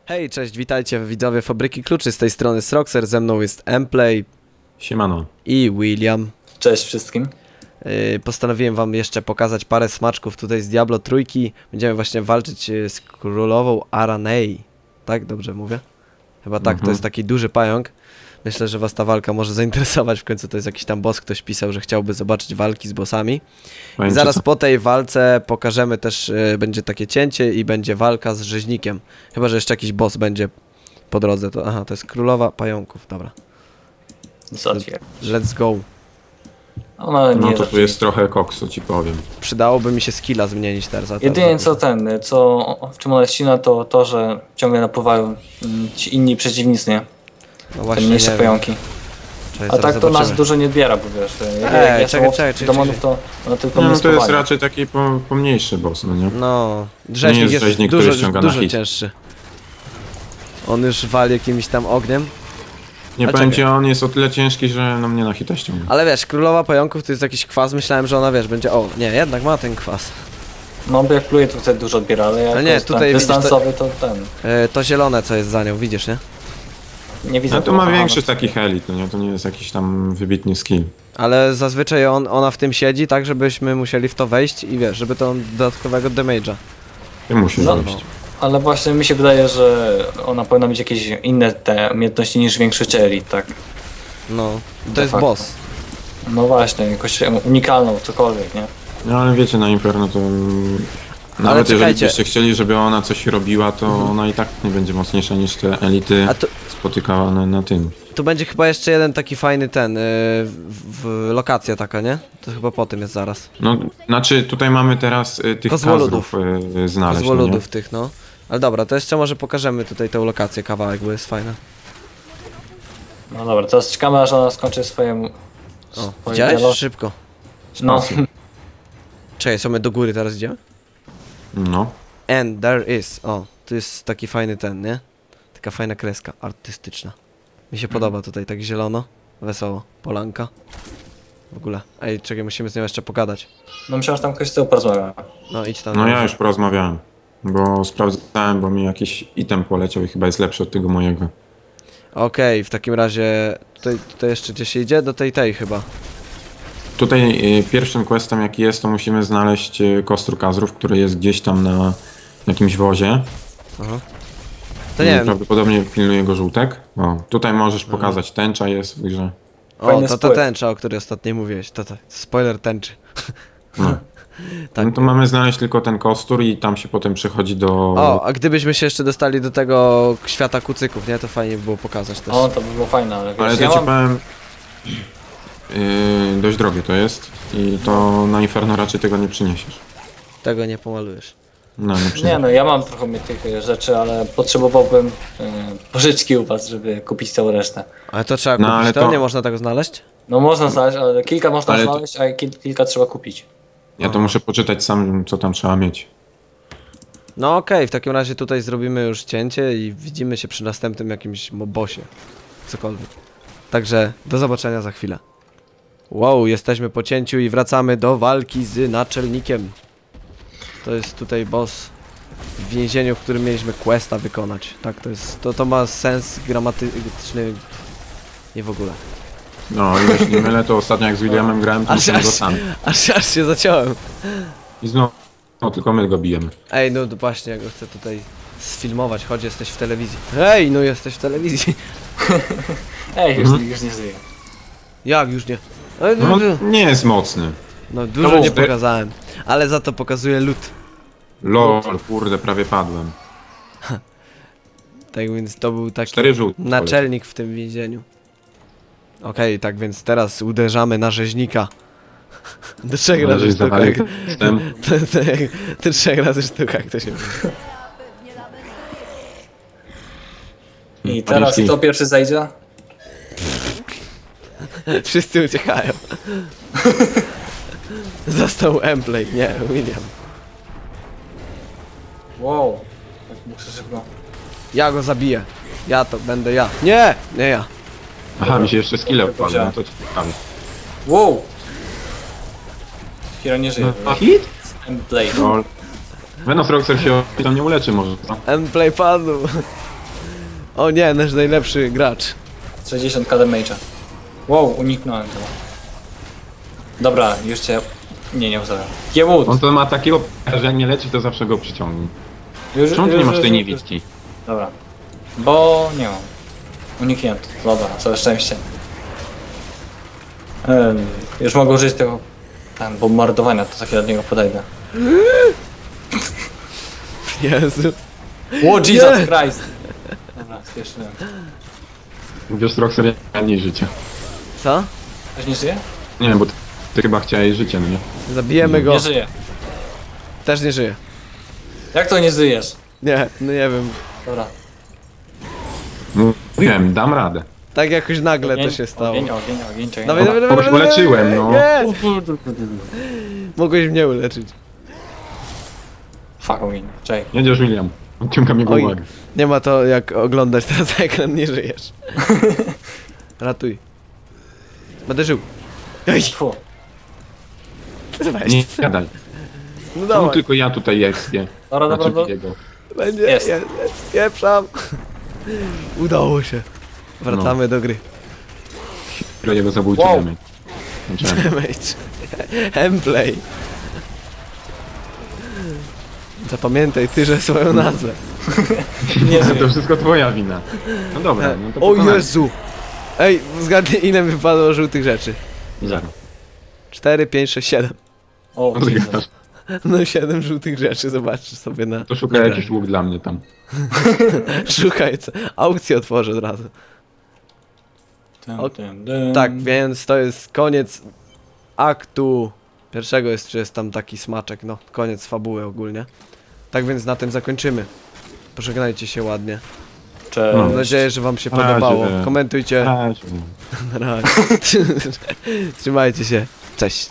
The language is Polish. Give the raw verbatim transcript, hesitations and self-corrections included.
Hej, cześć, witajcie widzowie Fabryki Kluczy, z tej strony Sroxer, ze mną jest Mplay. Siemano. I William. Cześć wszystkim. Yy, postanowiłem wam jeszcze pokazać parę smaczków tutaj z Diablo trójki. Będziemy właśnie walczyć z królową Aranei. Tak? Dobrze mówię? Chyba tak, Mhm. to jest taki duży pająk. Myślę, że was ta walka może zainteresować, w końcu to jest jakiś tam boss, ktoś pisał, że chciałby zobaczyć walki z bossami. I zaraz co? po tej walce pokażemy też, yy, będzie takie cięcie i będzie walka z rzeźnikiem. Chyba, że jeszcze jakiś boss będzie po drodze. To, aha, to jest królowa pająków, dobra. Zotwier. Let's go. Ona nie No to tu zacznie. jest trochę koksu, ci powiem. Przydałoby mi się skilla zmienić teraz. a teraz Jedynie co ten, co w czym ona jest silna, to to, że ciągle napływają mm, ci inni przeciwnicy, nie? No Te właśnie, mniejsze nie pająki. Czekaj, A zaraz tak to nas zobaczymy. dużo nie odbiera, bo wiesz, jak Ej, jak ja czekaj, są czekaj, czekaj, demonów, czekaj. to ona tylko No, mnie no to jest spowalnia. raczej taki po, pomniejszy boss, no nie? No, rzeźnik jest jest, rzeźnik, dużo, który ściąga na dużo hit. cięższy. On już wali jakimś tam ogniem. Nie A powiem czekaj. ci, on jest o tyle ciężki, że no mnie na hita ściąga. Ale wiesz, królowa pająków to jest jakiś kwas, myślałem, że ona wiesz, będzie... O, nie, jednak ma ten kwas. No bo jak pluje, to wtedy dużo odbiera, ale jak Ale to nie, jest tutaj ten widzisz, to- dystansowy, to ten. E, to zielone, co jest za nią, widzisz, nie? Nie widzę No to tego. ma Aha, większy no. takich elit, no nie? To nie jest jakiś tam wybitny skill. Ale zazwyczaj on, ona w tym siedzi, tak żebyśmy musieli w to wejść i wiesz, żeby to dodatkowego damage'a. Ty musisz No, wejść. Ale właśnie mi się wydaje, że ona powinna mieć jakieś inne te umiejętności niż większość elit, tak? No, to De jest facto. boss. No właśnie, jakoś unikalną, cokolwiek, nie? No ale wiecie, na Inferno to... mm, Nawet jeżeli czekajcie. byście chcieli, żeby ona coś robiła, to ona i tak nie będzie mocniejsza niż te elity A tu, spotykawane na tym. tu będzie chyba jeszcze jeden taki fajny ten, yy, w, w, lokacja taka, nie? To chyba po tym jest zaraz. No, znaczy tutaj mamy teraz y, tych Kozłoludów. kazrów y, znaleźć, no nie? Złoludów tych, no. Ale dobra, to jeszcze może pokażemy tutaj tę lokację, kawałek, bo jest fajna. No dobra, teraz czekamy aż ona skończy swoje... O, swoje widziałeś? dialog. Szybko. No, Czekaj, co my do góry teraz idziemy? No. And there is. O, tu jest taki fajny ten, nie? Taka fajna kreska artystyczna. Mi się podoba tutaj, tak zielono, wesoło, polanka. W ogóle. Ej, czekaj, musimy z nią jeszcze pogadać. no myślałem, że tam ktoś z tyłu porozmawia. No idź tam. No na ja górze. już porozmawiałem, bo sprawdzałem, bo mi jakiś item poleciał i chyba jest lepszy od tego mojego. Okej, w takim razie tutaj, tutaj jeszcze gdzieś idzie? Do tej tej chyba. Tutaj y, pierwszym questem jaki jest, to musimy znaleźć y, kostrój kazrów, który jest gdzieś tam na jakimś wozie. Aha. To Y, nie wiem. Prawdopodobnie pilnuje go żółtek. O, tutaj możesz pokazać, tęcza jest w grze. O, Fajny to ta spływ. tęcza, o której ostatnio mówiłeś. To, to spoiler tęczy. No. Tak. No to mamy znaleźć tylko ten kostur i tam się potem przechodzi do... O, a gdybyśmy się jeszcze dostali do tego świata kucyków, nie? To fajnie by było pokazać też. O, to by było fajne, ale wiesz, Ale to ja ci mam... powiem... Yy, dość drogie to jest i to na Inferno raczej tego nie przyniesiesz. Tego nie pomalujesz. No, nie Nie przyniesiesz. no, ja mam trochę mnie tych e, rzeczy, ale potrzebowałbym e, pożyczki u was, żeby kupić całą resztę. Ale to trzeba No, kupić, ale to... to- nie można tego znaleźć? No można znaleźć, ale kilka można Ale to- znaleźć, a kil, kilka trzeba kupić. Ja to muszę poczytać sam, co tam trzeba mieć. No okej, w takim razie tutaj zrobimy już cięcie i widzimy się przy następnym jakimś mo- bossie. Cokolwiek. Także do zobaczenia za chwilę. Wow, jesteśmy po cięciu i wracamy do walki z naczelnikiem. To jest tutaj boss w więzieniu, w którym mieliśmy questa wykonać. Tak, to jest, to, to ma sens gramatyczny. Nie w ogóle. No i jeśli nie mylę, to ostatnio jak z Williamem grałem, to Aż, musimy go aż, sam. aż, aż się zaciąłem. I znowu, no tylko my go bijemy. Ej, no to właśnie, ja go chcę tutaj sfilmować. Chodź, jesteś w telewizji. Ej, no jesteś w telewizji. Ej, już, Mhm. już nie żyję. Jak już nie? Ej, No nie jest mocny. No dużo To nie był- pokazałem, ale za to pokazuję lód. Lol, kurde, prawie padłem. Tak więc to był taki Cztery żółte. naczelnik w tym więzieniu. Okej, tak więc teraz uderzamy na rzeźnika. Do trzech Ale razy żeś sztuka. zawalił jak- system. To, to, jak- to trzech razy sztuka, jak to się mówi. I teraz Paniczki. kto pierwszy zajdzie? Wszyscy uciekają. Został Mplay, nie, William. Wow. Tak muszę szybko. Ja go zabiję. Ja to będę ja. Nie, nie ja. Aha, mi się jeszcze skille wpadły, no to ciekawe. Wow! Hero nie żyje. A hit? Blade. Lol. Venom Roxer się tam nie uleczy może, co? Mplay padł. O nie, nasz najlepszy gracz. sześćdziesiąt K damage'a. Wow, uniknąłem tego. Dobra, już cię... Nie, nie ustawiam. Kiewód! On to ma takiego, że jak nie leci, to zawsze go przyciągnie. Już, Czemu ty już, nie masz już, tej już, niewidki? Dobra. Bo nie mam. Uniknięto. Dobra, całe szczęście. Ym, już mogę użyć tego tam, bombardowania, to za chwilę do niego podejdę. Jezu. O, Jesus Christ! Dobra, spieszyłem. Wiesz, Roxer mniej życia. Co? Ktoś nie żyje? Nie wiem, bo ty, ty chyba chciałeś życie, no nie? Zabijemy go. Nie żyje. Też nie żyje. Jak to nie żyjesz? Nie, no nie wiem. Dobra. Mówiłem, dam radę. Tak jakoś nagle Ogień, to się stało. Ogień, ogień, ogień, ogień. Dawaj, dawaj, dawaj, Kogoś dawaj, uleczyłem, dawaj, no. Nie! Mogłeś mnie uleczyć. Fuck, ogień. Czekaj. Jedziesz, William. Odciągam jego Oj. uwagę. Nie ma to jak oglądać teraz ekran, nie żyjesz. Ratuj. Będę żył. Ej, Fu. weź. Nie gadaj. No Czemu dawaj. tylko ja tutaj ekspię? Dobra, dobra, Znaczy dobra. jego. Będzie, Jest. jest, jest, pieprzam. Udało się. Wracamy do gry. Które jego zabójczy Wow. damage. Znaczy, Damage. Emplay. Zapamiętaj ty, że swoją nazwę. Nie to żyje. wszystko twoja wina. No dobra, no to O pokonamy. Jezu. Ej, zgadnij ile mi wypadło żółtych rzeczy. Zero. cztery, pięć, sześć, siedem. O, No to Jesus. gadasz. No siedem żółtych rzeczy, zobaczysz sobie na... To szukaj na jakiś łuk dla mnie tam. Szukaj, co? Aukcję otworzę od razu. Dym, O- dym, dym. Tak, więc to jest koniec aktu pierwszego, jest, czy jest tam taki smaczek, no, koniec fabuły ogólnie. Tak więc na tym zakończymy. Pożegnajcie się ładnie. Cześć. Mam nadzieję, że wam się Na razie. podobało. Komentujcie. Cześć. Na razie. Trzymajcie się. Cześć.